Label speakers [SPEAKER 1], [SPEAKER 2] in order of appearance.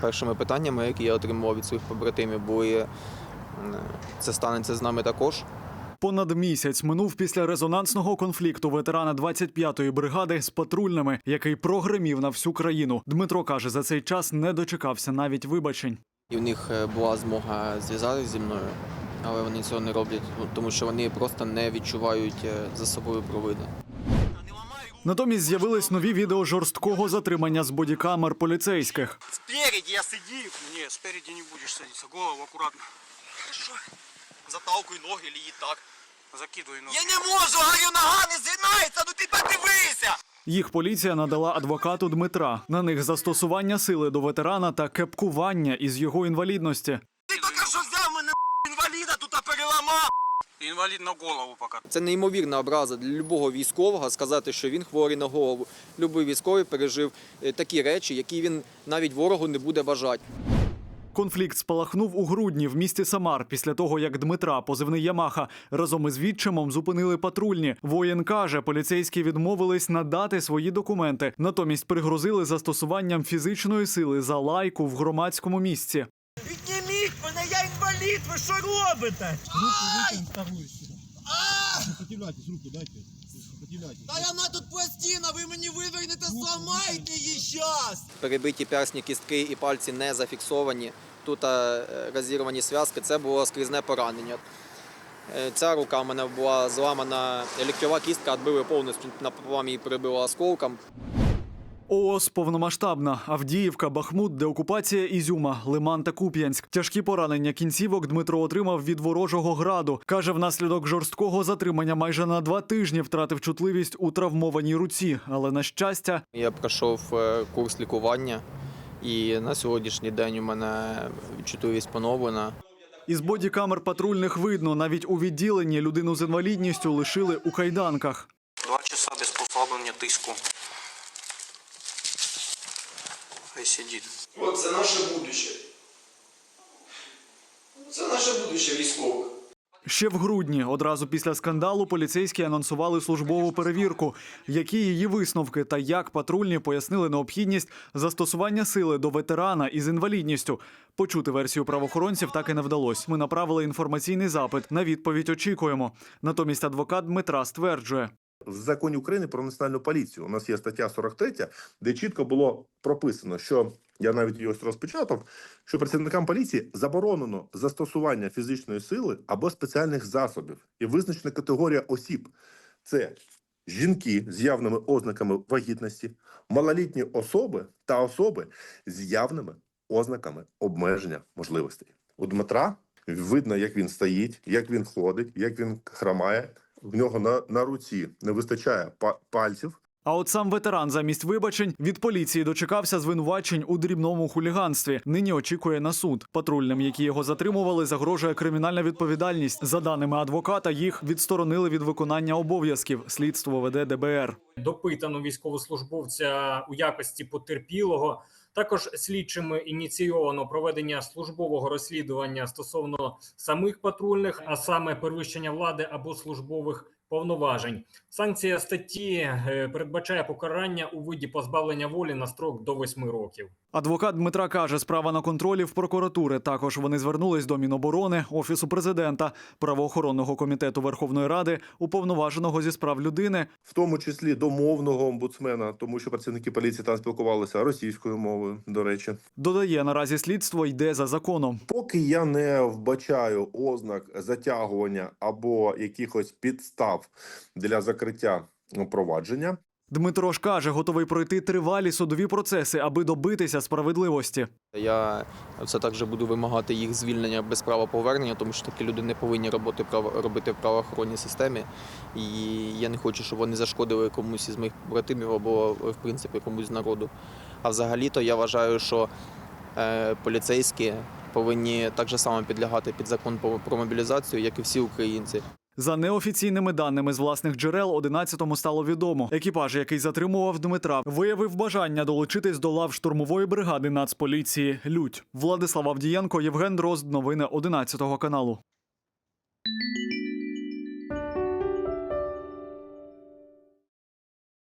[SPEAKER 1] першими питаннями, які я отримував від своїх побратимів, були «це станеться з нами також».
[SPEAKER 2] Понад місяць минув після резонансного конфлікту ветерана 25-ї бригади з патрульними, який прогримів на всю країну. Дмитро каже, за цей час не дочекався навіть вибачень.
[SPEAKER 1] І в них була змога зв'язатися зі мною, але вони цього не роблять, тому що вони просто не відчувають за собою провини.
[SPEAKER 2] Натомість з'явились нові відео жорсткого затримання з бодікамер поліцейських.
[SPEAKER 3] Спереди я сидів. Ні, спереди не будеш садитися. Голову акуратно. Хорошо. Заталкуй ноги, или і так. Закидуй ноги. Я не можу, говорю, нога не згинається, ну ти подивися!
[SPEAKER 2] Їх поліція надала адвокату Дмитра. На них застосування сили до ветерана та кепкування із його інвалідності.
[SPEAKER 3] Ти тільки що взяв мене інваліда, тут переламав. Інвалід на голову поки.
[SPEAKER 1] Це неймовірна образа для будь-якого військового сказати, що він хворий на голову. Любий військовий пережив такі речі, які він навіть ворогу не буде бажати.
[SPEAKER 2] Конфлікт спалахнув у грудні в місті Самар після того, як Дмитра, позивний Ямаха, разом із відчимом зупинили патрульні. Воїн каже, поліцейські відмовились надати свої документи. Натомість пригрозили застосуванням фізичної сили за лайку в громадському місці.
[SPEAKER 3] Підніміть мене, я інвалід, ви що робите?
[SPEAKER 4] Руку вытянь вторую сюда. Сопротивляйтесь, руку дайте. Сопротивляйтесь.
[SPEAKER 3] Та вона тут пластина, ви мені вивернете, зламайте її щас!
[SPEAKER 1] Перебиті персні кістки і пальці не зафіксовані. Тут розірвані зв'язки, це було скрізне поранення. Ця рука в мене була зламана, ліктьова кістка відбили повністю, напополам її перебило осколком.
[SPEAKER 2] ООС повномасштабна. Авдіївка, Бахмут, деокупація Ізюма, Лиман та Куп'янськ. Тяжкі поранення кінцівок Дмитро отримав від ворожого граду. Каже, внаслідок жорсткого затримання майже на 2 тижні втратив чутливість у травмованій руці. Але, на щастя,
[SPEAKER 1] Я пройшов курс лікування і на сьогоднішній день у мене чутливість поновлена.
[SPEAKER 2] із бодікамер патрульних видно, навіть у відділенні людину з інвалідністю лишили у кайданках.
[SPEAKER 3] 2 часа без послаблення тиску. Хай сидить.
[SPEAKER 1] От це наше будуще. Це наше будуще військових.
[SPEAKER 2] Ще в грудні, одразу після скандалу, поліцейські анонсували службову перевірку. Які її висновки та як патрульні пояснили необхідність застосування сили до ветерана із інвалідністю. Почути версію правоохоронців так і не вдалося. Ми направили інформаційний запит. На відповідь очікуємо. Натомість адвокат Дмитра стверджує.
[SPEAKER 5] В законі України про національну поліцію у нас є стаття 43, де чітко було прописано, що, я навіть її ось розпечатав, що працівникам поліції заборонено застосування фізичної сили або спеціальних засобів. І визначена категорія осіб – це жінки з явними ознаками вагітності, малолітні особи та особи з явними ознаками обмеження можливостей. У Дмитра видно, як він стоїть, як він ходить, як він хромає. В нього на руці не вистачає пальців.
[SPEAKER 2] А от сам ветеран замість вибачень від поліції дочекався звинувачень у дрібному хуліганстві. Нині очікує на суд. Патрульним, які його затримували, загрожує кримінальна відповідальність. За даними адвоката, їх відсторонили від виконання обов'язків. Слідство веде ДБР.
[SPEAKER 6] Допитано військовослужбовця у якості потерпілого. Також слідчими ініційовано проведення службового розслідування стосовно самих патрульних, а саме перевищення влади або службових повноважень. Санкція статті передбачає покарання у виді позбавлення волі на строк до 8 років.
[SPEAKER 2] Адвокат Дмитра каже, справа на контролі в прокуратури. Також вони звернулись до Міноборони, Офісу президента, Правоохоронного комітету Верховної Ради, Уповноваженого зі справ людини.
[SPEAKER 5] В тому числі до мовного омбудсмена, тому що працівники поліції там спілкувалися російською мовою, до речі.
[SPEAKER 2] Додає, наразі слідство йде за законом.
[SPEAKER 5] Поки я не вбачаю ознак затягування або якихось підстав для закриття провадження.
[SPEAKER 2] Дмитро ж каже, готовий пройти тривалі судові процеси, аби добитися справедливості.
[SPEAKER 1] Я все так же буду вимагати їх звільнення без права повернення, тому що такі люди не повинні робити в правоохоронній системі. І я не хочу, щоб вони зашкодили комусь із моїх братимів або, в принципі, комусь з народу. А взагалі-то я вважаю, що поліцейські повинні так же само підлягати під закон про мобілізацію, як і всі українці.
[SPEAKER 2] За неофіційними даними з власних джерел, 11-му стало відомо. Екіпаж, який затримував Дмитра, виявив бажання долучитись до лав штурмової бригади Нацполіції «Людь». Владислав Авдієнко, Євген Дрозд. Новини 11 каналу.